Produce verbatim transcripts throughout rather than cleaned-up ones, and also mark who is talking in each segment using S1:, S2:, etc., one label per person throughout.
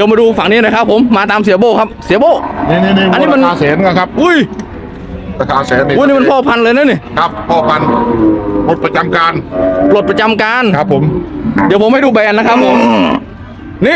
S1: ดี๋ยวมาดูฝั่งนี้นะครับผมมาตามเสียโบครับเสียโบ
S2: นี่นี่นี่
S1: อันนี้มัน
S2: ราคาแสนครับ
S1: อุ้ย
S2: ราคาแสนนี่
S1: อุ้ยนี่มันพ่อพันธุ์เลยนะนี่
S2: ครับพ่อพันธุ์หมดประจำการ
S1: ปลดประจำการ
S2: ครับผม
S1: เดี๋ยวผมให้ดูแบรนด์นะครับผมนี่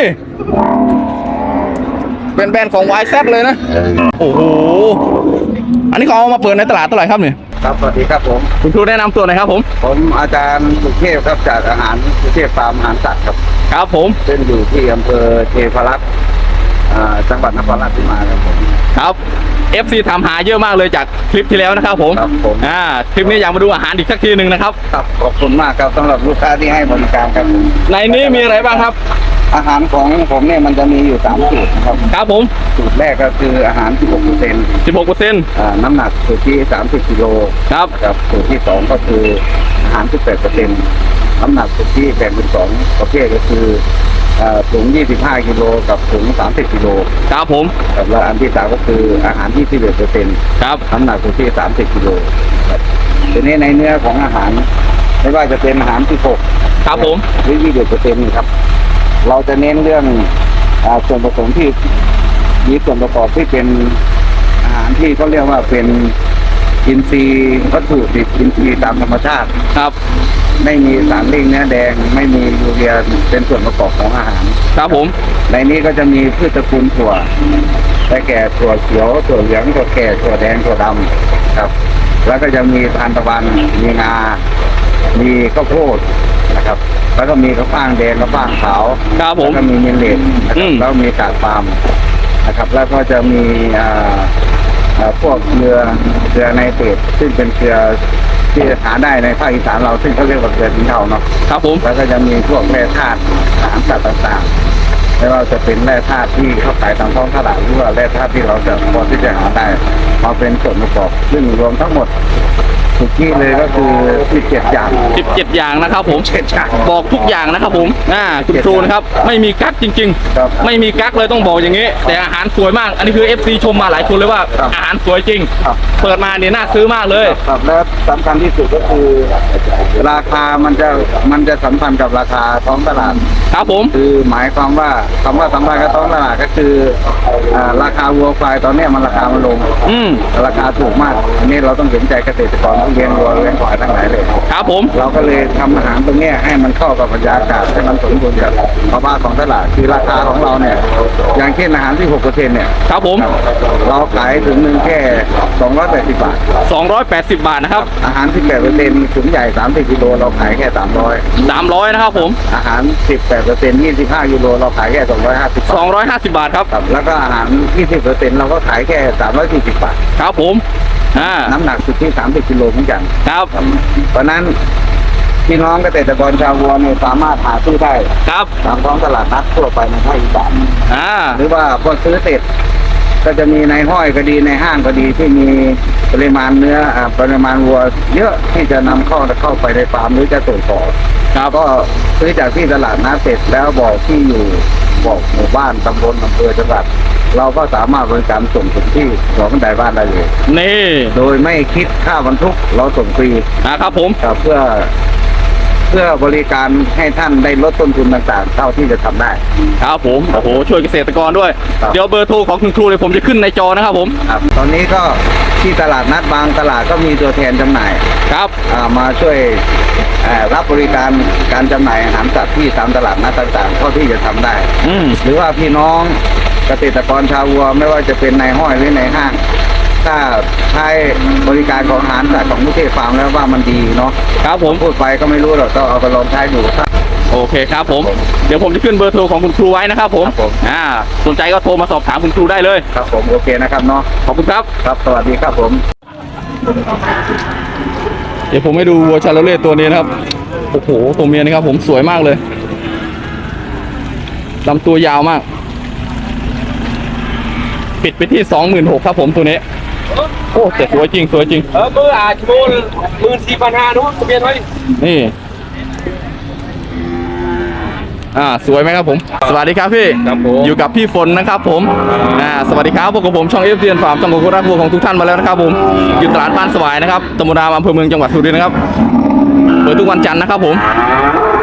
S1: เป็นแบรนด์ของ วาย แซด เลยนะโอ้โหอันนี้เขาเอามาเปิดในตลาดเท่าไหร่ครับเนี่ย
S3: ครับสวัสดีครับผม
S1: คุณครูแนะนำตัวหน่อยครับผม
S3: ผมอาจารย์สุเทพครับจากอาหารสุเทพฟาร์มอาหารสัตว์ครับ
S1: ครับผม
S3: ซึ่งอยู่ที่อำเภอเทพารักษ์จังหวัดนครราชสีมาครับผม
S1: ครับ เอฟ ซี ถามหาเยอะมากเลยจากคลิปที่แล้วนะครับผม
S3: ครับผม
S1: อ่าคลิปนี้อยากมาดูอาหารอีกสักทีหนึ่งนะครับ
S3: ครับขอบคุณมากครับสำหรับลูกค้าที่ให้บริการครับ
S1: ในนี้มีอะไรบ้างครับ
S3: อาหารของผมเนี่ยมันจะมีอยู่สามสูตรครับ
S1: ครับผม
S3: สูตรแรกก็คืออาหาร สิบหกเปอร์เซ็นต์
S1: สิบหกเปอร์เซ็นต์
S3: อ่าน้ำหนักสูตรที่สามสิบกิโล
S1: ครับ
S3: ครับสูตรที่สองก็คืออาหาร สิบแปดเปอร์เซ็นต์ น้ำหนักสูตรที่แบ่งเป็นสองประเภทก็คือถุงยี่สิบห้ากิโลกับถุงสามสิบกิโล
S1: ครับผม
S3: แล้วอันที่สามก็คืออาหารที่สิบเอ็ดเปอร์เซ็นต์
S1: ครับ
S3: น้ำหนักอยู่ที่สามสิบกิโลครับทีนี้ในเนื้อของอาหารไม่ว่าจะเป็นอาหารที่หก
S1: ครับผม
S3: หรือยี่สิบเปอร์เซ็นต์ครับเราจะเน้นเรื่องส่วนผสมที่มีส่วนประกอบที่เป็นอาหารที่เขาเรียกว่าเป็นอินทรีย์วัตถุดิบอินทรีย์ตามธรรมชาติ
S1: ครับ
S3: ไม่มีสารเร่งเนื้อแดงไม่มียูเรียเป็นส่วนประกอบของอาหาร
S1: ครับผม
S3: ในนี้ก็จะมีพืชตระกูลถั่วได้แก่ถั่วเขียวถั่วเหลืองถั่วแก่ถั่วแดงถั่วดำครับแล้วก็จะมีทานตะวันมีงามีข้าวโพดนะครับแล้วก็มีข้าวฟ่างแดงข้าวฟ่างขาว
S1: ครับผม
S3: แล้วก็มีมิลเลตนะครับแล้วมีกากปาล์มนะครับแล้วก็จะมีอ่าพวกเกลือเกลือไนเตรตซึ่งเป็นเกลือที่หาได้ในภาคอีสานเราซึ่งเขาเรียกว่าเกลือสินเทาเนาะ
S1: ครับผม
S3: แล้วก็จะมีพวกแร่ธาตุอาหารสัตว์ต่างๆไม่ว่าจะเป็นแร่ธาตุที่เขาขายตามท้องตลาดหรือว่าแร่ธาตุที่เราจะพอที่จะหาได้มาเป็นส่วนประกอบซึ่งรวมทั้งหมดทุกที่เลยก็คือสิบเจ็ดอย่าง
S1: สิบเจ็ดอย่างนะครับผม
S3: เจ็ดอย่าง
S1: บอกทุกอย่างนะครับผมอ่าคุณครูนะครับไม่มีกั๊กจริงๆไม่มีกั๊กเลยต้องบอกอย่างนี้แต่อาหารสวยมากอันนี้คือ เอฟ ซี ชมมาหลายคนเลยว่าอาหารสวยจริงเปิดมาเนี่ยน่าซื้อมากเลย
S3: ครับและสำคัญที่สุดก็คือราคามันจะมันจะสัมพันธ์กับราคาท้องตลาด
S1: ครับผม
S3: คือหมายความว่าคำว่าสัมพันธ์กับท้องตลาดก็คือราคาวัวควายตอนนี้มันราคามันลง
S1: อืม
S3: ราคาถูกมากอันนี้เราต้องเห็นใจเกษตรกรที่เลี้ยงวัวเลี้ยงควายทั้งหลายเลย
S1: ครับผม
S3: เราก็เลยทำอาหารตรงนี้ให้มันเข้ากับบรรยากาศให้มันสมดุลกับภาวะของตลาดคือราคาของเราเนี่ยอย่างเช่นอาหารที่หกเปอร์เซ็นต์เนี่ย
S1: ครับผม
S3: เราขายถึงหนึ่งแค่สองร้อยแปดสิบบาท
S1: สองร้อยแปดสิบบาทนะครับ
S3: อาหารที่แปดเปอร์เซ็นต์ถุงใหญ่สามสิบกิโลเราขายแค่สามร้อย
S1: สามร้อยนะครับผม
S3: อาหารสิบแปดเปอร์เซ็นต์ยี่สิบห้ากิโลเราขายแค่สองร้อยห้าสิบ
S1: สองร้อยห้าสิบบาทครับ
S3: แล้วก็อาหารยี่สิบเปอร์เซ็นต์เราก็ขายแค่สามร้อยสี่สิบบาท
S1: ครับผมอ่า
S3: น้ำหนักสุดที่สามสิบกิโลเหมือนกัน
S1: ครับ
S3: เพราะนั้นพี่น้องเกษตรกรชาววัวเนี่ยสามารถหาซื้อได้
S1: ครับ
S3: ตามท้องตลาดนัดทั่วไปในภาคอีสาน
S1: อ่า
S3: หรือว่าพอซื้อเสร็จก็จะมีในห้อยก็ดีในห้างก็ดีที่มีปริมาณเนื้อปริมาณวัวเยอะที่จะนำเข้าเข้าไปในฟาร์มหรือจะส่งต่อครับก็ซื้อจากที่ตลาดนัดเสร็จแล้วบอกที่อยู่บอกหมู่บ้านตำบลอำเภอจังหวัดเราก็สามารถบริการส่งถึงที่หัวบันไดบ้านได้เลย
S1: นี่
S3: โดยไม่คิดค่าบรรทุกเราส่งฟรี
S1: นะครับผม
S3: เพื่อเพื่อบริการให้ท่านได้ลดต้นทุนต่างๆเท่าที่จะทำได้
S1: ครับผมโอ้โหช่วยเกษตรกรด้วยเดี๋ยวเบอร์โทรของคุณครูเลยผมจะขึ้นในจอนะครับผม
S3: ครับตอนนี้ก็ที่ตลาดนัดบางตลาดก็มีตัวแทนจำหน่าย
S1: ครับ
S3: มาช่วยรับบริการการจำหน่ายอาหารสัตว์ที่ตามตลาดนัดต่างๆเท่าที่จะทำได้หรือว่าพี่น้องเกษตรกรชาววัวไม่ว่าจะเป็นในห้อยหรือในห้างถ้าใช้บริการของอาหารสัตว์ของมุเทศฟาร์มแล้วว่ามันดีเนาะ
S1: ครับผม
S3: พูดไปก็ไม่รู้หรอกต้องเอาไปลองใช้ดูครับ
S1: โอเคครับผมเดี๋ยวผมจะขึ้นเบอร์โทรของคุณครูไว้นะครับผมอ่าสนใจก็โทรมาสอบถามคุณครูได้เลย
S3: ครับผมโอเคนะครับเนาะ
S1: ขอบคุณครับ
S3: ครับสวัสดีครับผม
S1: เดี๋ยวผมให้ดูวัวชาโลเล่ตัวนี้นะครับโอ้โหตัวเมียนะครับผมสวยมากเลยลำตัวยาวมากปิดไปที่ สองหมื่นหกพัน ครับผมตัวนี้โอ้แต่สวยจริงสวยจริง
S4: เออมืออาจโมนหมื่นสี่พันห้านู้นทะเบียนไว้
S1: นี่อ่าสวยไหมครับผมสวัสดีครับพี่อยู่กับพี่ฝนนะครับผมอ่าสวัสดีครับพวกผมช่องเอฟซีฟาร์มช่องของคุณรักวัวของทุกท่านมาแล้วนะครับผมอยู่ตลาดบ้านสวายนะครับตำบลรามอำเภอเมืองจังหวัดสุรินทร์นะครับเปิดทุกวันจันทร์นะครับผม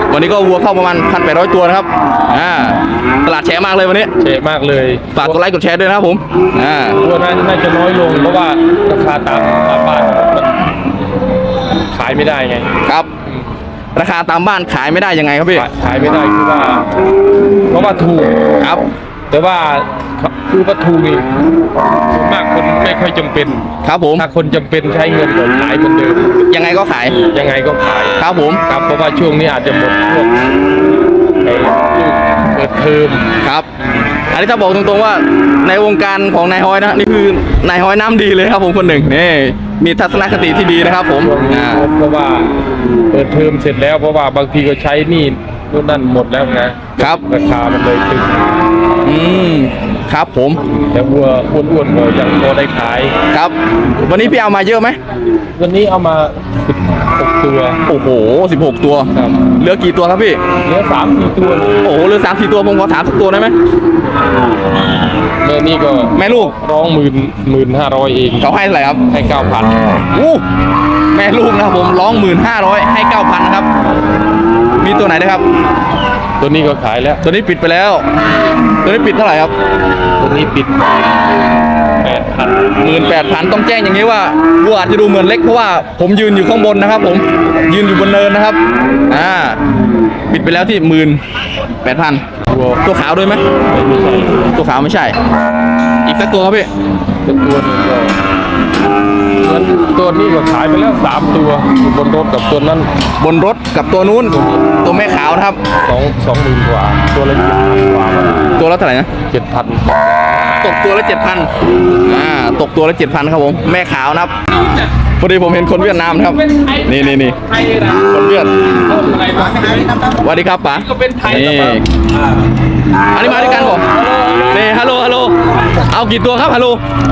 S1: วันนี้ก็วัวเข้าประมาณพันแปดร้อยตัวนะครับอ่าตลาดแชร์มากเลยวันนี้
S4: เจ๋มากเลย
S1: ฝากกดไลค์กดแชร์ด้วยนะครับผมอ่า
S4: ตัวน่าน่าจะน้อยลงเพราะว่าราคาตามตามบ้านมันขายไม่ได้ไง
S1: ครับ ราคาตามบ้านขายไม่ได้ยังไงครับพี่
S4: ขายขายไม่ได้คือว่า เพราะว่าถูก
S1: ครับ
S4: แต่ว่าคือว่าถูกนี่ส่วนมากคนไม่ค่อยจำเป็น
S1: ครับผม
S4: ถ้าคนจำเป็นใช้เงินก็ขายเหมือนเดิม
S1: ยังไงก็ขาย
S4: ยังไงก็ขาย
S1: ครับผม
S4: ครับเพราะว่าช่วงนี้อาจจะหมดพวกไอ้ลูกเปิดเทอม
S1: ครับ อันนี้ถ้าบอกตรงๆว่าในวงการของนายฮอยนะนี่คือนายฮอยน้ำดีเลยครับผมคนหนึ่งนี่มีทัศนคติที่ดีนะครับผมอ่า
S4: เพราะว่าเปิดเทอมเสร็จแล้วเพราะว่าบางทีก็ใช้หนี่นู่นนั่นหมดแล้วนะครับ ราคามันเลยตึง
S1: อืมครับผม
S4: แต่วัวอ้วนๆก็ยังพอได้ขาย
S1: ครับ วันนี้พี่เอามาเยอะไหม
S4: วันนี้เอามาสิบหกตัว
S1: โอ้โหสิบหกตัว
S4: ครับ
S1: เหลือกี่ตัวครับพี่
S4: เหลือสามสี่ตัว
S1: โอ้โหเหลือสามสี่ตัวผมขอถามสักตัวได้ไหม
S4: แม่นี่ก็
S1: แม่ลูก
S4: ร้องหมื่นหมื่นห้าร้อยเอง
S1: เขาให้เท่าไหร่ครับ
S4: ให้เก้าพัน
S1: อู้แม่ลูกนะครับผมร้องหมื่นห้าร้อยให้เก้าพันนะครับ มีตัวไหนนะครับ
S4: ตัวนี้ก็ขายแล้ว
S1: ตัวนี้ปิดไปแล้ว ตัวนี้ปิดเท่าไหร่ครับ
S4: ตัวนี้ปิดแปดพัน
S1: หมื่นแปดพันต้องแจ้งอย่างนี้ว่าวัวอาจจะดูเหมือนเล็กเพราะว่าผมยืนอยู่ข้างบนนะครับ ผมยืนอยู่บนเนินนะครับอ่าปิดไปแล้วที่หมื่นแปดพัน
S4: วัว
S1: ตัวขาวด้วยไหม
S4: ไม่ใช่
S1: ตัวขาวไม่ใช่ อีกสักตัวครับพี่
S4: เป็นตัวหนึงก็งั้นตัวนี้ก็ขายไปแล้วสามตัวอยู่บนรถกับตัวนั้น
S1: บนรถกับตัวนู้นตัวแม่ขาวนะครับ
S4: สองสองหมื่นกว่า ตัวละเจ็ดพันกว่า
S1: ตัวละเท่าไหร่นะ
S4: เจ็ดพัน
S1: ตกตัวละเจ็ดพันอ่าตกตัวละเจ็ดพันครับผมแม่ขาวนะครับพอดีผมเห็นคนเวียดนามนะครับนี่นี่นี่คนเวียดสวัสดีครับป๋า
S4: ก็เป็นไทย
S1: นี่อันนี้มาด้วยกันผมนี่ฮัลโหลฮัลโหลเอากี่ตัวครับฮัลโหล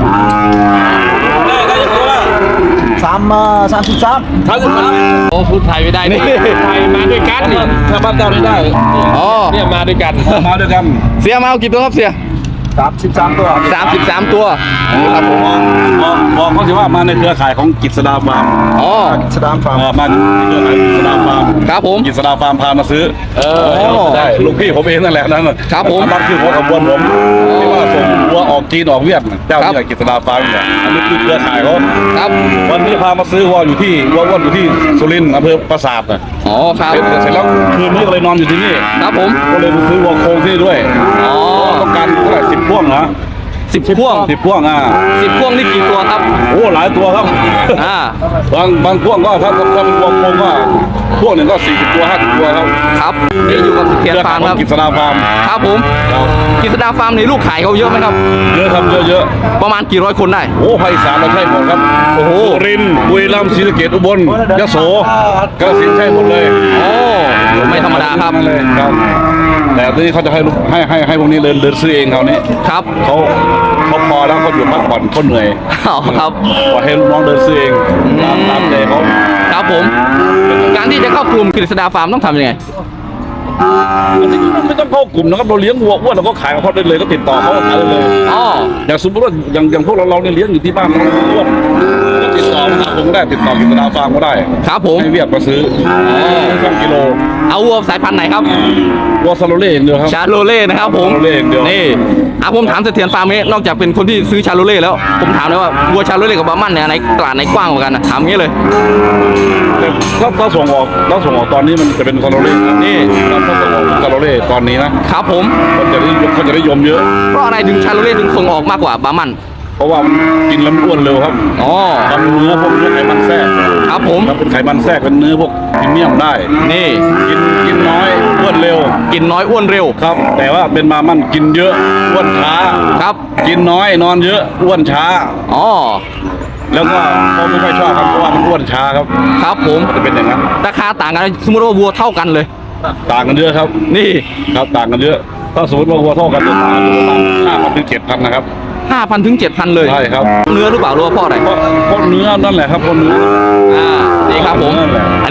S5: สามเอ่อสามสิบสาม
S4: โอ้พูดไทยไม่ได้นี่ไทยมาด้วยกันนี่
S5: ถ้าบ้านเจ้าไม่ได้
S1: อ๋อ
S4: เนี่ยมาด้วยกัน
S5: มาด้วยกัน
S1: เสียมาเอากี่ตัวครับเสีย
S5: สามสิบสามตัว
S1: สามสิบสามตัวนี่ครับผม
S5: บอกบอกเขาสิว่ามาในเครือข่ายของกิจสดาฟาร์ม
S1: อ๋อ
S5: สดาฟาร์มเออมาในเครือข่ายกิจสดาฟาร์ม
S1: ครับผม
S5: กิจสดาฟาร์มพามาซื้อ
S1: เออ
S5: ได้ลูกพี่ผมเองนั่นแหละนั่นน่ะ
S1: ครับผม
S5: นั่นคือหัวขบวนผมที่ว่าส่งวัวออกจีนออกเวียดน่ะเจ้า
S1: ครับ
S5: นี่แหละกิจสดาฟาร์มเนี่ยอันนี้คือเครือข่ายเขา
S1: ครับ
S5: วันนี้พามาซื้อวัวอยู่ที่วัวอ้วนอยู่ที่สุรินทร์อำเภอปราสาทน่ะ
S1: อ๋อครับ
S5: เสร็จแล้วคืนนี้ก็เลยนอนอยู่ที่นี่
S1: ครับผม
S5: ก็เลยไปซื้อวัวโครงที่นี่ด้วย
S1: อ๋อ
S5: ต้องการเท่าไหร่สิบพ่วงเหรอ
S1: สิบพ่วง
S5: สิบพ่วงอ่ะ
S1: สิบพ่วงนี่กี่ตัวครับ
S5: โอ้หลายตัวครับ
S1: อ่า
S5: บางบางพ่วงก็ถ้าถ้าเป็นพ่วงโครงก็พ่วงหนึ่งก็สี่สิบตัวห้าสิบตัวครับ
S1: ครับนี่อยู่กับเทียนฟาร์มครับ
S5: กิจสดาฟาร์ม
S1: ครับผม
S5: ครับ
S1: กิษดาฟาร์มนี่ลูกขายเขาเยอะไหมครับ
S5: เยอะครับเยอะเยอะ
S1: ประมาณกี่ร้อยคนได้
S5: โอ้ภาคอีสานเราใช่หมดครับ
S1: โอ้โห
S5: สุรินทร์บุรีรัมย์ศรีสะเกษอุบลยโสกาฬสินธุ์ใช่หมดเลย
S1: โอ้ไม่ธรรมดาครับ
S5: เลยครับ แต่ทีนี้เขาจะให้ลูกให้ให้ให้พวกนี้เดินเดินซื้อเองเขาวนี้
S1: ครับ
S5: เขาเขาพอแล้วเขาอยู่พักผ่อนเขาเหนื่อย
S1: อ๋อครับ
S5: ปล่อยให้ลูกน้องเดินซื้อเองตามตามใจเขา
S1: ครับผม การที่จะเข้ากลุ่มกฤษดาฟาร์มต้องทำยังไง
S5: อันนี้ไม่ต้องเข้ากลุ่มนะครับเราเลี้ยงวัวอ้วนเราก็ขายกับเขาได้เลยก็ติดต่อเขาก็ขายได้เลย
S1: อ๋อ
S5: อย่างสมมติว่าอย่างอย่างพวกเราเราเนี่ยเลี้ยงอยู่ที่บ้านเราอ้วนก็ติดต่อมาหาผมก็ได้ติดต่อกิจดาฟาร์มก็ได้
S1: ครับผม
S5: ให้เวียดมาซื้อช่างกิโล
S1: เอาวัวสายพันธุ์ไหนครับ
S5: วัวซาโลเล่อย่างเดียวครับ
S1: ชาโลเล่นะครับผม
S5: ชาโลเล่อย่างเดียว
S1: นี่อ่ะผมถามเสถียรฟาร์มนี้นอกจากเป็นคนที่ซื้อชาโลเล่แล้ว ผมถามเลยว่าวัวชาโลเล่กับบาร์มันเนี่ยในตลาดไหนกว้างกว่ากันนะถามงี้เลย
S5: แต่ถ้าถ้าส่งออกถ้าส่งออกตอนนี้มันจะเป็นซาโลเล่นะ
S1: นี่
S5: ถ้าถ้าส่งออกซาโลเล่ตอนนี้นะครับ
S1: ผม
S5: คนจะได้เขาจะได้ยมเยอะ
S1: เพราะอะไรถึงชาโลเล่ถึงส่งออกมากกว่าบาร์มัน
S5: เพราะว่ามันกินแล้วมันอ้วนเร็วครับ
S1: อ๋อ
S5: ทำเนื้อพวกเนื้อไขมันแทรก
S1: ครับผม
S5: ถ้าเป็นไขมันแทรกเป็นเนื้อพวกพรีเมียมได้
S1: นี่
S5: กินกินน้อยอ้วนเร็ว
S1: กินน้อยอ้วนเร็ว
S5: ครับ แต่ว่าเป็นมามันกินเยอะอ้วนช้า
S1: ครับ
S5: กินน้อยนอนเยอะอ้วนช้า
S1: อ๋อ
S5: แล้วก็เขาไม่ค่อยชอบครับเพราะว่ามันอ้วนช้าครับ
S1: ครับผม
S5: จะเป็นอย่างนั้น
S1: ราคาต่างกันสมมติว่าวัวเท่ากันเลย
S5: ต่างกันเยอะครับ
S1: นี่
S5: ครับต่างกันเยอะถ้าสมมติว่าวัวเท่ากันจะต่างกันประมาณห้าพันถึงเจ็ดพันนะครับ
S1: ห้าพันถึงเจ็ดพันเลย
S5: ใช่ครับ
S1: เนื้อหรือเปล่าหรือว่าเพ่ออะไร
S5: เพราะเพราะเนื้อนั่นแหละครับเพราะเนื้อ
S1: อ่า นี่ครับผม
S5: นั่นแหละ
S1: อัน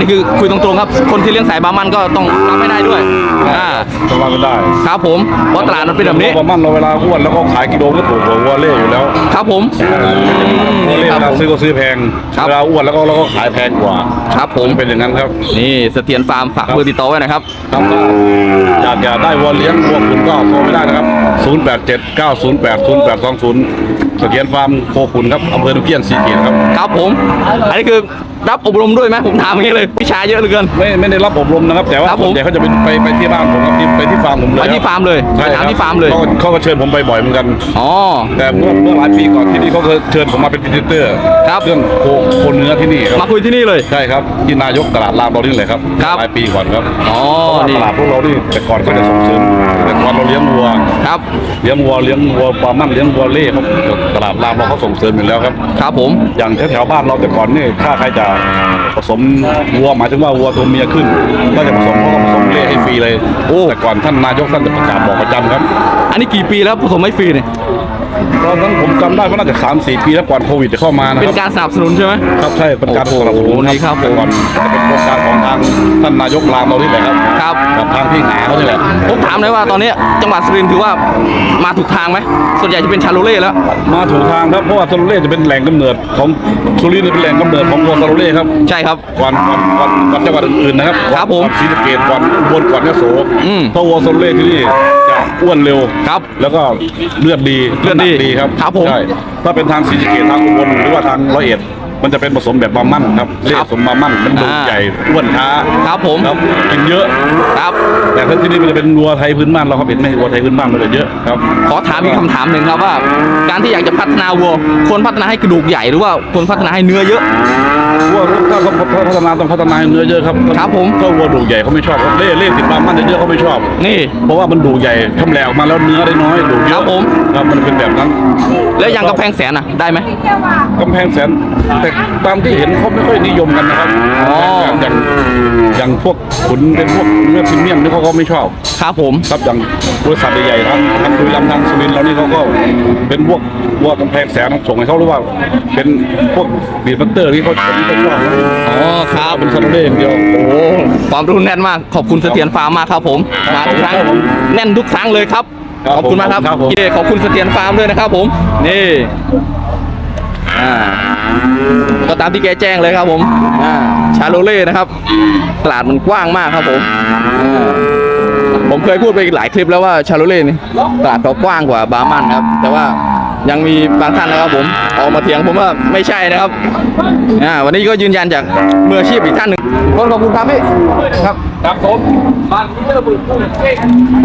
S1: นี้คือคุยตรงๆครับคนที่เลี้ยงสายบามันก็ต้องรับไม่ได้ด้วยอ่า
S5: จะว่าไม่ได้
S1: ครับผมเพราะตลาดมันเป็นแบบนี้
S5: ประมาณเราเวลาอ้วนแล้วก็ขายกิโลก็ถูกกว่าวัวเล่อยู่แล้ว
S1: ครับผม
S5: วัว
S1: นี่
S5: เล่
S1: ครับ
S5: เรา
S1: ผม
S5: ซื้อก็ซื้อแพง
S1: ครับ
S5: เวลาอ้วนแล้วก็เราก็ขายแพงกว่า
S1: ครับผม
S5: เป็นอย่างนั้นครับ
S1: นี่เสถียรฟาร์มฝากเบอร์ติดต่อไว้นะครับ
S5: ครับก็อยากอยากได้วัวเลี้ยงวัวขุนก็โทรไม่ได้นะครับ ศูนย์ แปด เจ็ด เก้า ศูนย์ แปด ศูนย์ แปด สอง ศูนย์ เสถียรฟาร์มโคขุนครับอำเภอตุเกียนสีเกียรติครับ
S1: ครับผม อันนี้คือรับอบรมด้วยไหมผมถามอย่างนี้เลยวิชาเยอะเหลือเกิน
S5: ไม่ไม่ได้รับอบรมนะครับ แต่ว่า
S1: ครับผม
S5: ส่วนใหญ่เขาจะเป็นไปไปที่บ้านผมครับที่ไปที่ฟาร์มผมเลย
S1: ไปที่ฟาร์มเลย
S5: ใช่
S1: ไปถามที่ฟาร์มเลย
S5: ขเขาก็เชิญผมไปบ่อยเหมือนกัน
S1: อ๋อ
S5: แต่เมื่อเมื่อหลายปีก่อนที่นี่เขาเคยเชิญผมมาเป็นพรีเซนเตอร์
S1: ครับ
S5: เรื่องโคโคเนื้อที่นี่ครับ
S1: มาคุยที่นี่เลย
S5: ใช่ครับที่นายกตลาดรามเรานี่เลยครับ
S1: ครับ
S5: หลายปีก่อนครับ
S1: อ๋อ
S5: เพราะว่า
S1: นี่
S5: ตลาดพวกเรานี่แต่ก่อนเขาจะส่งเสริมแต่ก่อนเราเลี้ยงวัว
S1: ครับ
S5: เลี้ยงวัวเลี้ยงวัวปลามั่นเลี้ยงวัวเล่ครับตลาดรามเราเขาส่งเสริมอยู่แล้วครับ
S1: ครับผม
S5: อย่างแถวๆบ้านเราแต่ก่อนนี่ถ้าใครจะผสมวัวหมายถึงว่าวัวตัวเมียขึ้น ก็จะผสมเขาก็ผสมเล่ให้ฟรีเลย
S1: โอ้
S5: แต่ก่อนท่านนายกท่านจะประกาศบอกประจำครับ
S1: อันนี้กี่ปีแล้วผสมไม่ฟรีเนี่ย
S5: ตอนนั้นผมจำได้ว่าน่าจะสามสี่ปีแล้วก่อนโควิดจะเข้ามานะ
S1: เป็
S5: คน รับ
S1: การสนับสนุนใช่ไหม
S5: ครับใช่เป็นการ
S1: โอ้
S5: ส
S1: โห
S5: นับสนุน
S1: นี่ครับผม
S5: แต่ก่อนจะเป็นโครงการของทางท่านนายกรามเรานี่แหละครับ
S1: ครับ
S5: กับทางพี่หาเขานี่แหละ
S1: ผมถามเลยว่าตอนนี้จังหวัดสุรินทร์ถือว่ามาถูกทางไหมส่วนใหญ่จะเป็นชาโลเล่แล้ว
S5: มาถูกทางครับเพราะว่าซาโลเล่จะเป็นแหล่งกำเนิดของสุรินทร์เป็นแหล่งกำเนิดของวัวซาโลเล่ครับ
S1: ใช่ครับ
S5: ก่อนก่อนก่อนก่อนจังหวัดอื่นๆนะครับ
S1: ครับผม
S5: ก่อนศรีสะเกษก่อนอุบลก่อนยโส
S1: อืม
S5: เพราะวัวซาโลเล่ที่นี่จะอ้วนเร็ว
S1: ครับ
S5: แล้วก็เลือดดี
S1: เลือดดี
S5: น้ำหนักดีครับ
S1: ครับผม
S5: ใช่ถ้าเป็นทางศรีสะเกษทางอุบลหรือว่าทางร้อยเอ็ดมันจะเป็นผสมแบบบามั่นครับเล่ผสมบามั่นมันดู
S1: อ่า
S5: ใหญ่อ้วนช้า
S1: ครับผม
S5: ครับกินเยอะ
S1: ครับ
S5: แต่ถ้าที่นี่มันจะเป็นวัวไทยพื้นบ้านเราครับเห็นไหมวัวไทยพื้นบ้านมันจะเยอะครับ
S1: ขอถามอีกคำถามหนึ่งครับว่า การที่อยากจะพัฒนาวัวควรพัฒนาให้กระดูกใหญ่หรือว่าควรพัฒนาให้เนื้อเยอะ
S5: วัวถ้าเขาพัฒนาต้องพัฒนาให้เนื้อเยอะครับ
S1: ครับผม
S5: ถ้าวัวดูใหญ่เขาไม่ชอบครับเล่เล่ติดบามั่นเยอะๆเขาไม่ชอบ
S1: นี่
S5: เพราะว่ามันดูใหญ่ทำแหลกออกมาแล้วเนื้อได้น้อยดูเย
S1: ครั
S5: อะ
S1: บผม
S5: ครับมันเป็นแบบนั้น
S1: แล้วอย่างกำแพงแสนอ่ะได้ไหม
S5: กำแพงแสนแต่ตามที่เห็นเขาไม่ค่อยนิยมกันนะครับ
S1: อ๋อ
S5: อย่างอย่างพวกขุนเป็นพวกเนื้อพรีเมียมนี่เขาก็ไม่ชอบ
S1: ครับผม
S5: ครับอย่างบริษัทใหญ่ๆทางทางบุรีรัมย์ทางสุรินทร์เรานี่เขาก็เป็นพวกวัวกำแพงแสนส่งให้เขาหรือว่า เป็นพวกบีดบัตเตอร์ที่เขาที่เขาชอบ
S1: อ๋อครับ
S5: เป็นซาโลเล่อย่างเดียว
S1: โอ้โหความรู้แน่นมากขอบคุณเสถียรฟาร์มมากครับผมมาทุกครั้งแน่นทุกครั้งเลยครับ
S5: ครับ
S1: ขอบคุณมากครับ
S5: ครับผม
S1: เย่ขอบคุณเสถียรฟาร์มด้วยนะครับผมนี่อ่าก็ตามที่แกแจ้งเลยครับผมอ่าชาโลเล่นะครับตลาดมันกว้างมากครับผมอ่าผมเคยพูดไปหลายคลิปแล้วว่าชาโลเล่นี่ตลาดเขากว้างกว่าบาร์มันครับ แต่ว่ายังมีบางท่านนะครับผมออกมาเถียงผมว่าไม่ใช่นะครับอ่าวันนี้ก็ยืนยันจากมืออาชีพอีกท่านหนึ่งคนขอบคุณครับพี่ครับ
S4: ครับผมบ้านนี้ระเบิดตู้เก่ง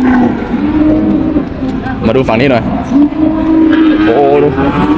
S1: มาดูฝั่งนี้หน่อย โอ้โหดู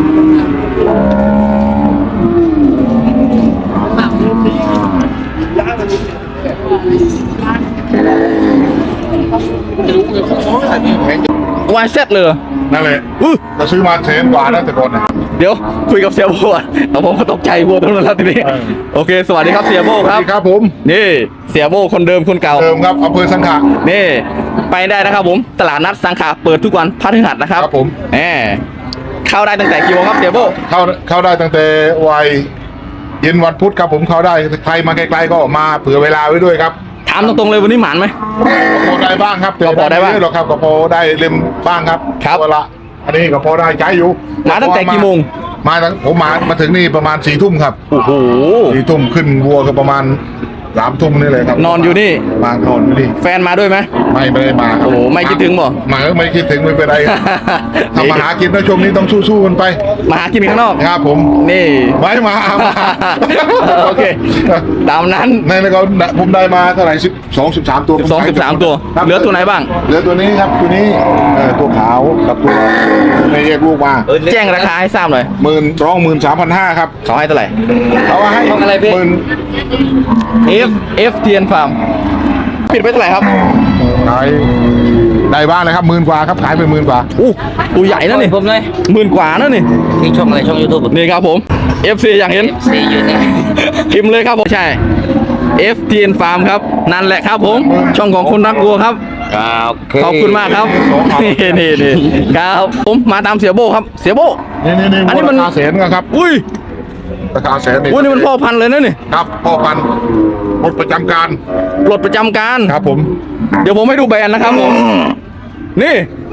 S1: วายเซ็ตเลยเหรอ
S2: นั่นแหละ
S1: อื้อ
S2: เราซื้อมาแสนกว่าแล้วแต่ก่อนนะ
S1: เดี๋ยวคุยกับเสียโบอ่ะเอาผมก็ตกใจโบตรงนั้นแล้วทีนี้
S2: เออ
S1: โอเค สวัสดีครับเสียโบครับ
S2: สวัสดีครับผม
S1: นี่เสียโบคนเดิมคนเก่า
S2: เดิมครับอำเภอสังขะ
S1: นี่ไปได้นะครับผม ตลาดนัดสังขะเปิดทุกวันพฤหัสนะครับ
S2: ครับผม
S1: แหมเข้าได้ตั้งแต่กี่โมงครับเสียโบ
S2: เข้าเข้าได้ตั้งแต่วัยเย็นวันพุธครับผมเข้าได้ใครมาไกลๆก็มาเผื่อเวลาไว้ด้วยครับ
S1: ถามตรงๆเลยวันนี้หมานไหม
S2: ก็พอได้บ้างครับแต่
S1: ก็พอได้บ้าง
S2: ม่เยะหรอกครับก็พอได้เล่มบ้างครับ
S1: ครับ
S2: เวลาอันนี้ก็พอได้ใช้อยู่
S1: มาตั้งแต่กี่โมง
S2: มาตั้งผมมามาถึงนี่ประมาณสี่ทุ่มครับ
S1: โอ้โห
S2: สี่ทุ่มขึ้นวัวก็ประมาณสามทุ่มนี่เลยครับ
S1: นอนอยู่นี่
S2: มานอนอยู่นี่
S1: แฟนมาด้วยไหม
S2: ไม่ไม่ได้มาครับ
S1: โอ้โหไม่คิดถึงบ่
S2: มาไม่คิดถึงไม่เป็นไรทำมาหากินนะช่วงนี้ต้องสู้ๆกันไป
S1: มาหากินข้างนอก
S2: ครับผม
S1: นี่
S2: ไว้มามา
S1: โอเค ตามนั้น
S2: ในแล้วก็ผมได้มาเท่าไหร่สิบสองสิบสามตัว
S1: สองสิบสามตัว
S2: ครับ
S1: เหลือตัวไหนบ้าง
S2: เหลือตัวนี้ครับตัวนี้เอ่อตัวขาวกับตัวไม่แยกลูกมา
S1: แจ้งราคาให้ทราบหน่อย
S2: หมื่นร้องหมื่นสามพันห้าครับ
S1: เขาให้เท่าไหร่
S2: เอาว่าให้
S1: ของอะไรพี่
S2: หมื่น
S1: F F เทียนฟาร์มปิดไปเท่าไหร่ครับ
S2: ขายได้บ้านเลยครับหมื่นกว่าครับขายไปหมื่นกว่า
S1: อู้ตัวใหญ่นะนี่
S6: ผมเลย
S1: หมื่นกว่านะนี่
S6: ที่ช่องอะไรช่องยูทูบ
S1: นี่ครับผม F C อย่างเห็น
S6: ซีอยู่นี่
S1: พิมพ์เลยครับผมใช่ F เทียนฟาร์มครับนั่นแหละครับผม ช่องของคนรักวัวครับ ขอบคุณมากครับ นี่นี่นี่ครับผมมาตามเสียโบครับ เสียโบ
S2: นี่นี่นี่
S1: อันนี้มัน
S2: ราคาแสนครับ
S1: อุ้ย
S2: ราคาแสนนี่
S1: อุ้ยนี่มันพ่อพันธุ์เลยนะนี่
S2: ครับพ่อพันธุ์หมดประจำการ
S1: ปลดประจำการ
S2: ครับผม
S1: เดี๋ยวผมให้ดูแบรนด์นะครับผม นี่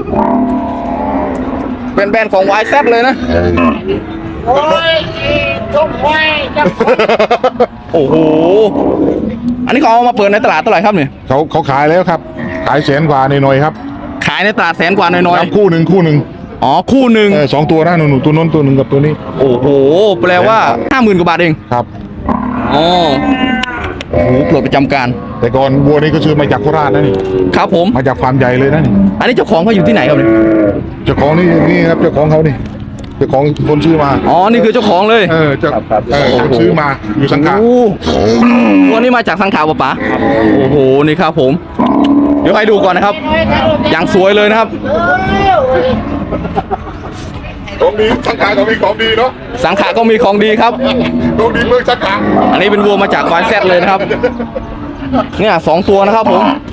S1: เป็นแบรนด์ของ วาย แซด เลยนะ
S6: โอ้ยทุกไว้จะ
S1: โอ้โห อันนี้เขาเอามาเปิดในตลาดเท่าไหร่ครับเนี่ย
S2: เขาเขาขายแล้วครับ ขายแสนกว่าหน่อยๆครับ
S1: ขายในตลาดแสนกว่าน้อย
S2: ครับคู่หนึ่งคู่หนึ่ง
S1: ๆ อ๋อ คู่หนึ่ง
S2: เออสองตัวนะหนูๆตัวโน้นตัวหนึ่งกับตัวนี้
S1: โอ้โห แปลว่าห้าหมื่นกว่าบาทเอง
S2: ครับ
S1: อ๋อโอ้โหปลดประจำการ
S2: แต่ก่อนวัวนี่ก็ซื้อมาจากโคราชนะนี่
S1: ครับผม
S2: มาจากฟาร์มใหญ่เลยนะนี่
S1: อันนี้เจ้าของเขาอยู่ที่ไหนครับเนี่ย
S2: เจ้าของนี่นี่ครับเจ้าของเขานี่เจ้าของคนซื้อมา
S1: อ๋อ นี่คือเจ้าของเลย
S2: เออเจ้าเออคนซื้อมาอยู่สังกัด
S1: โอ้โหตัวนี้มาจากสังขารปะป๋าโอ้โห นี่ครับผม เดี๋ยวให้ดูก่อนนะครับ อย่างสวยเลยนะครับ
S2: ของดีสังกัดก็มีของดีเนาะ
S1: สังขารก็มีของดีครับ
S2: ของดีเมืองสังกัด
S1: อันนี้เป็นวัวมาจาก วาย แซด เลยนะครับ เนี่ยสองตัวนะครับผม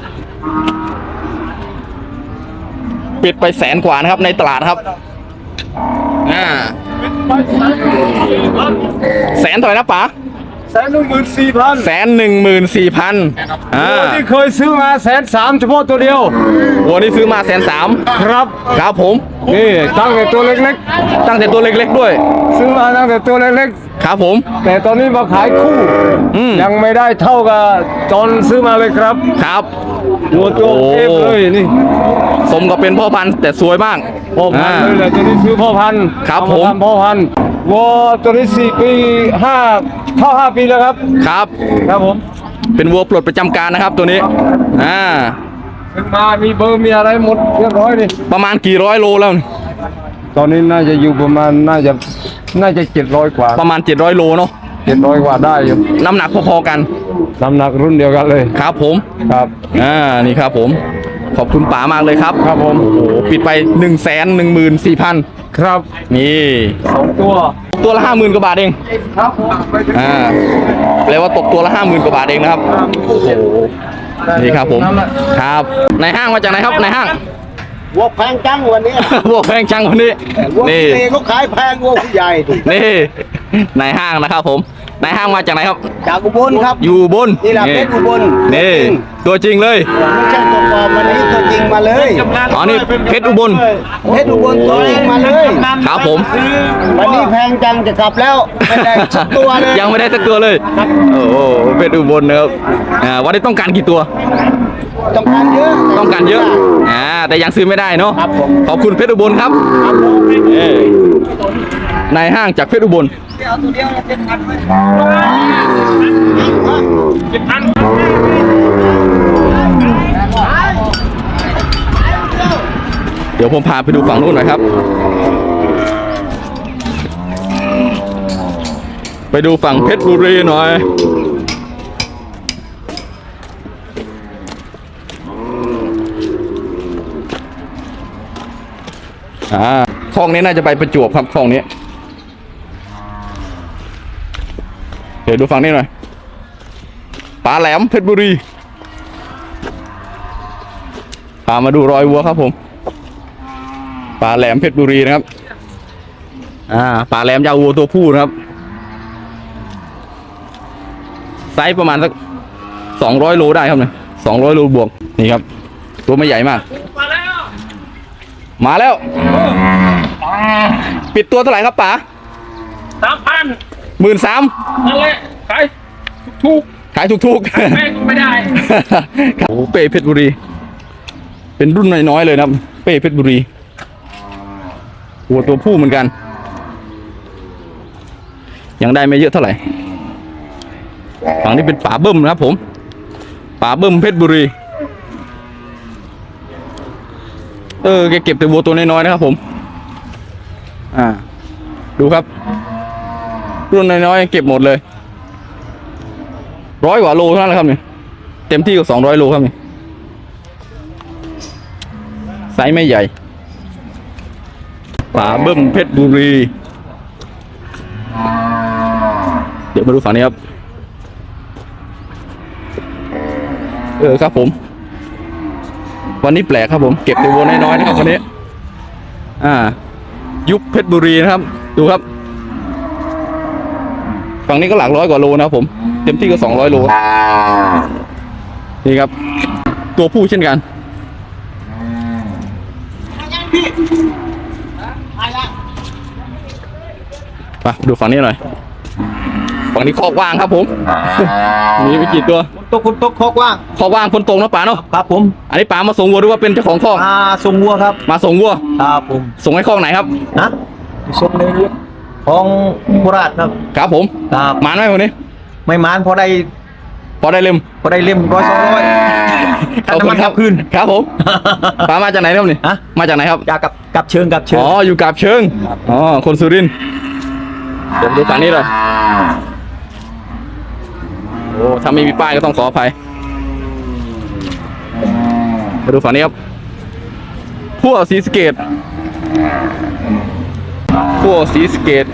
S1: ปิดไปแสนกว่านะครับในตลาดครับ อ่า แสนเท่าไหร่นะป๋า
S4: แสนหนึ่งหมื่นสี่พัน
S1: แสนหนึ่งหมื่นสี่พันอ่า
S4: ที่เคยซื้อมาแสนสามเฉพาะตัวเดียว
S1: วัวนี้ซื้อมาแสนสาม
S4: ครับ
S1: ครับผม
S4: นี่ตั้งแต่ตัวเล็ก
S1: ตั้งแต่ตัวเล็กๆด้วย
S4: ๆ ซื้อมาตั้งแต่ตัวเล็ก
S1: ครับผม
S4: ๆ แต่ตอนนี้มาขายคู่
S1: อืม
S4: ยังไม่ได้เท่ากับตอนซื้อมาเลยครับ
S1: ครับ
S4: หัวตัว
S1: โอ้
S4: เอฟเลยนี่
S1: สมกับเป็นพ่อพันธุ์แต่สวยมาก
S4: พ่อพันธุ์เลยแหละตัวนี้ซื้อพ่อพันธุ์
S1: ครับ
S4: เอาา
S1: ผม
S4: ทำพ่อพันธุ์วัวตัวนี้สี่ปีห้าเข้าห้าปีแล้วครับ
S1: ครับ
S4: ครับผม
S1: เป็นวัวปลดประจำการนะครับตัวนี้ อ่า
S4: ซื้อมามีเบอร์มีอะไรหมดเรียบร้อยนี่
S1: ประมาณกี่ร้อยโลแล้วนี่
S4: ตอนนี้น่าจะอยู่ประมาณน่าจะน่าจะเจ็ดร้อยกว่า
S1: ประมาณเจ็ดร้อยโลเนาะ
S4: เจ็ดร้อยกว่าได้อยู่
S1: น้ำหนักพอๆกัน
S4: น้ำหนักรุ่นเดียวกันเลย
S1: ครับผม
S4: ครับ
S1: อ่า นี่ครับผม ขอบคุณป๋ามากเลยครับ
S4: ครับผม
S1: โอ้โห ปิดไปหนึ่งแสนหนึ่งหมื่นสี่พัน
S4: ครับ
S1: นี่
S4: สองตัว
S1: ตัวละห้าหมื่นกว่าบาทเอง
S4: ครับ
S1: อ่า แปลว่าตกตัวละห้าหมื่นกว่าบาทเองนะครับ โอ้โห นี่ครับผม ครับ ในห้างมาจากไหนครับในห้าง
S6: วัวแพงจังวันนี้
S1: วัวแพงจังวันนี้
S6: วัว
S1: นี่
S6: เล็กเขาขายแพงวัวผู้ใหญ่ดิ
S1: นี่ในห้างนะครับผมในห้างมาจากไหนครับ
S6: จากอุบลครับ
S1: อยู่บน
S6: นี่แหละเพชรอุบล
S1: นี่ ตัวจริงเลย
S6: ไม่ใช่ตัวปลอมวันนี้ตัวจริงมาเลย
S1: อ๋อ นี่เพชรอุบล
S6: เพชรอุบลตัวจริงมาเลย
S1: ครับผม
S6: วันนี้แพงจังจะกลับแล้วไม่ได้สักตัวเลย
S1: ยังไม่ได้สักตัวเลย โอ้โหเพชรอุบลนะครับ อ่า วันนี้ต้องการกี่ตัว
S6: ต้องการเยอะ
S1: ต้องการเยอะ อ่า แต่ยังซื้อไม่ได้เนาะ
S6: ครับผม
S1: ขอบคุณเพชรอุบลครับเอ้ยในห้างจากเพชรอุบล
S6: เอาตัวเดียวเจ็ดพันไว้เจ็ดพัน
S1: เดี๋ยวผมพาไปดูฝั่งนู้นหน่อยครับ ไปดูฝั่งเพชรบุรีหน่อย อ่าคลองนี้น่าจะไปประจวบครับคลองนี้ เดี๋ยวดูฝั่งนี้หน่อยปลาแหลมเพชรบุรี พามาดูรอยวัวครับผมปลาแหลมเพชรบุรีนะครับ อ่าปลาแหลมยาววัวตัวผู้นะครับ ไซส์ประมาณสักสองร้อยโลได้ครับเนี่ยสองร้อยโลบวก นี่ครับ ตัวไม่ใหญ่มาก มาแล้ว ปิดตัวเท่าไหร่ครับป๋า
S4: สามพัน
S1: หมื่นสาม
S4: นั่นแหละขายถูก
S1: ขายถูกๆ
S4: ๆแม่งไม่ได้
S1: โอ้โหเป้เพชรบุรี เป็นรุ่นน้อยๆเลยนะครับ เป้เพชรบุรีหัวตัวผู้เหมือนกัน ยังได้ไม่เยอะเท่าไหร่ฝั่งนี้เป็นป่าเบิ้มนะครับผมป่าเบิ้มเพชรบุรี เออแกเก็บแต่วัวตัวน้อยๆนะครับผม อ่า ดูครับ รุ่นน้อยๆเก็บหมดเลยร้อยกว่าโลเท่านั้นแหละครับเนี่ยเต็มที่ก็สองร้อยโลครับเนี่ยไซส์ไม่ใหญ่ป่าเบิ้มเพชรบุรี เดี๋ยวมาดูฝั่งนี้ครับ เออครับผม วันนี้แปลกครับผม เก็บแต่วัวน้อยๆนะครับวันนี้ อ่า ยุคเพชรบุรีนะครับ ดูครับฝั่งนี้ก็หลักร้อยกว่าโลนะครับผมเต็มที่ก็สองร้อยโลนี่ครับตัวผู้เช่นกันไปดูฝั่งนี้หน่อยฝั่งนี้คอกว่างครับผม มีไปกี่ตัว
S6: ตกคุณตกคอกว่าง
S1: คอกว่างคนตรงนะป๋าเนาะ
S6: ครับผม
S1: อันนี้ป๋ามาส่งวัวหรือว่าเป็นเจ้าของคอก
S6: อ่าทรงวัวครับ
S1: มาส่งวัว
S6: ครับผม
S1: ส่งให้คอกไหนครับ
S6: นะทรงในของโคราชครับ
S1: ครับผม
S6: ครับ
S1: มานไหมวันนี้
S6: ไม่มานพอได้
S1: พอได้เล่ม
S6: พอได้เล่มร้อยสองร้อย
S1: ขอบคุณครับ
S6: คืน
S1: ครับผมป๋ามาจากไหนครับนี่
S6: ฮะ
S1: มาจากไหนครับ
S6: อยากกับกับเชิงกับเชิง
S1: อ๋ออยู่กาบเชิงอ๋อคนสุรินทร์เดี๋ยวดูฝั่งนี้เลยโอ้ถ้าไม่มีป้ายก็ต้องขออภัยมาดูฝั่งนี้ครับพวกสีสะเกตพวกสีสะเกต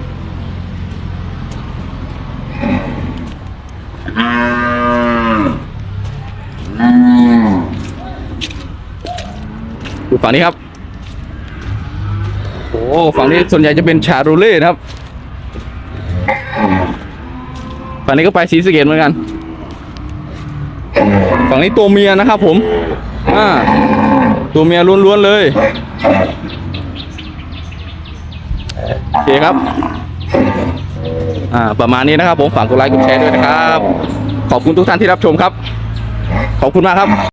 S1: ดูฝั่งนี้ครับโอ้ฝั่งนี้ส่วนใหญ่จะเป็นชาโรเล่นะครับฝั่งนี้ก็ไปสีสะเกตเหมือนกันฝั่งนี้ตัวเมียนะครับผมอ่าตัวเมียล้วนๆเลยโอเคครับอ่าประมาณนี้นะครับผมฝากกดไลค์กดแชร์ด้วยนะครับขอบคุณทุกท่านที่รับชมครับขอบคุณมากครับ